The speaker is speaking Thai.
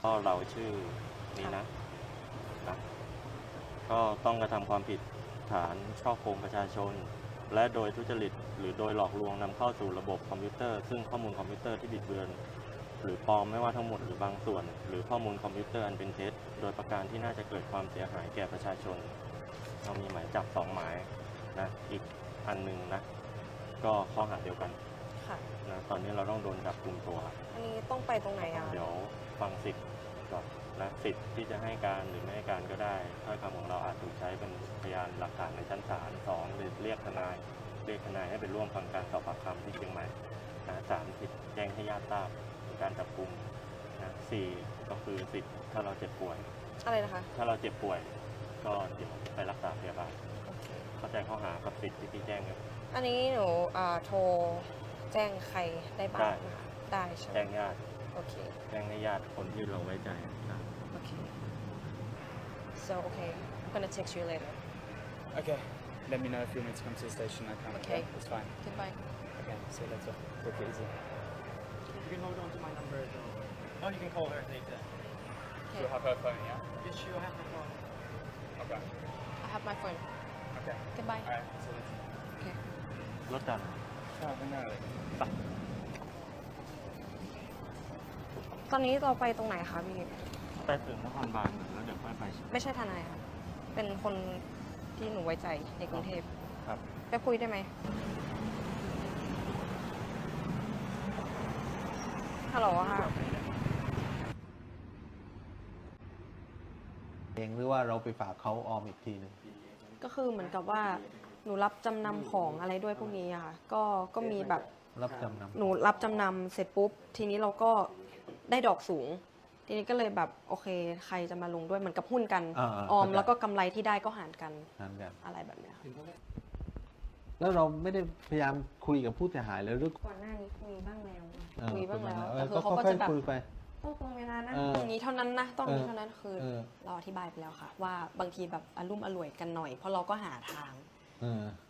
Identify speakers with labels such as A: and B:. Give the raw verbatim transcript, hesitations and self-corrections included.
A: ก็เราชื่อนี้นะนะก็ต้องกระทำความผิดฐานฉ้อโกงประชาชน และโดยทุจริตหรือโดยหลอกลวงนำเข้าสู่ระบบคอมพิวเตอร์ซึ่งข้อมูลคอมพิวเตอร์ที่บิดเบือนหรือปลอมไม่ว่าทั้งหมดหรือบางส่วน หรือข้อมูลคอมพิวเตอร์อันเป็นเท็จโดยประการที่น่าจะเกิดความเสียหายแก่ประชาชนเรามีหมายจับสองหมายนะอีกอันหนึ่งนะก็ข้อหาเดียวกัน
B: ค่ะ
A: นะตอนนี้เราต้องโดนจับกลุ่มตัว
B: อันนี้ต้องไปตรงไหนอ่ะ
A: เดี๋ยวฟังสิทธิ์ก่อนนะสิทธิ์ที่จะให้การหรือไม่ให้การก็ได้ถ้อยคำของเราอาจถูกใช้เป็นพยานหลักฐานในชั้นศาลสองหรือเรียกทนายเรียกทนายให้ไปร่วมฟังการสอบปากคำที่เชียงใหม่นะสามสิทธิ์แจ้งให้ญาติทราบถึงการจับกุมนะสี่ก็คือสิทธิ์ถ้าเราเจ็บป่วย
B: อะไรนะคะ
A: ถ้าเราเจ็บป่วย ก็เดี๋ยวไปรักษาพยาบาล
B: โอเค
A: เข้าใจข้อหากับสิทธิ์ที่พี่แจ้งไหม
B: อันนี้หนูอ่าโทรแจ้งใครได้บ้างนะคะได้ใช่ไหม
A: แจ้งญาติ
B: โอเค
A: แจ้งให้ญาติคนที่เราไว้ใจนะ
B: โอเค so okay I'm gonna text you later
C: Okay. Let me know if you want me to come to the station. I can.
B: Okay.
C: It's fine.
B: goodbye
C: Okay. See you later. Take it easy.
D: You can hold on to my number as well. Oh, you can call her later.
B: okay
C: She'll have her phone, yeah?
D: Yes, she'll have my phone.
C: Okay.
B: I have my phone
C: Okay.
B: goodbye
C: Alright. See you later.
B: โอเค
A: รถจักร
C: Oh, no.
B: ตอนนี้เราไปตรงไหนคะพี่
A: ไปถึงนครบาลแล้วเดี๋ยวค่อยไป
B: ไม่ใช่ทนายค่ะ เป็นคนที่หนูไว้ใจในกรุงเทพ
A: ครับ
B: ไปคุยได้ไหมฮัลโหลค่ะ
E: เองหรือว่าเราไปฝากเขาออมอีกทีหนึง
B: ก็คือเหมือนกับว่าหนูรับจำนำของอะไรด้วยพวกนี้อะค่ะ ก็ก็มีแบบ
E: รับจำนำ
B: หนูรับจำนำเสร็จปุ๊บ ทีนี้เราก็ได้ดอกสูง ทีนี้ก็เลยแบบโอเค ใครจะมาลงด้วยเหมือนกับหุ้นกัน
E: อ่าๆ
B: ออม
E: เข้าใจ
B: แล้วก็กำไรที่ได้ก็หารกัน
E: นั่นแบบ
B: อะไรแบบเนี้ยค่ะ
E: แล้วเราไม่ได้พยายามคุยกับผู้เสียหายเลยหรือ
B: ก่อนหน้านี้คุยบ้างแล้ว
E: เออ
B: คุยบ้างแล้ว
E: เอ
B: แต่
E: อ
B: คื
E: ก็
B: อเขาก็
E: ค่อ
B: จะ
E: ย
B: แบบ
E: ๆคุยไป
B: ต้องตรงเวลานะ
E: เออ
B: ตรงนี้เท่านั้นนะต้องนี้
E: เออ
B: เท่านั้นคือ
E: เออ
B: เราอธิบายไปแล้วค่ะ ว่าบางทีแบบอารมุ่มอร่วยกันหน่อย เพราะเราก็หาทาง
E: เออ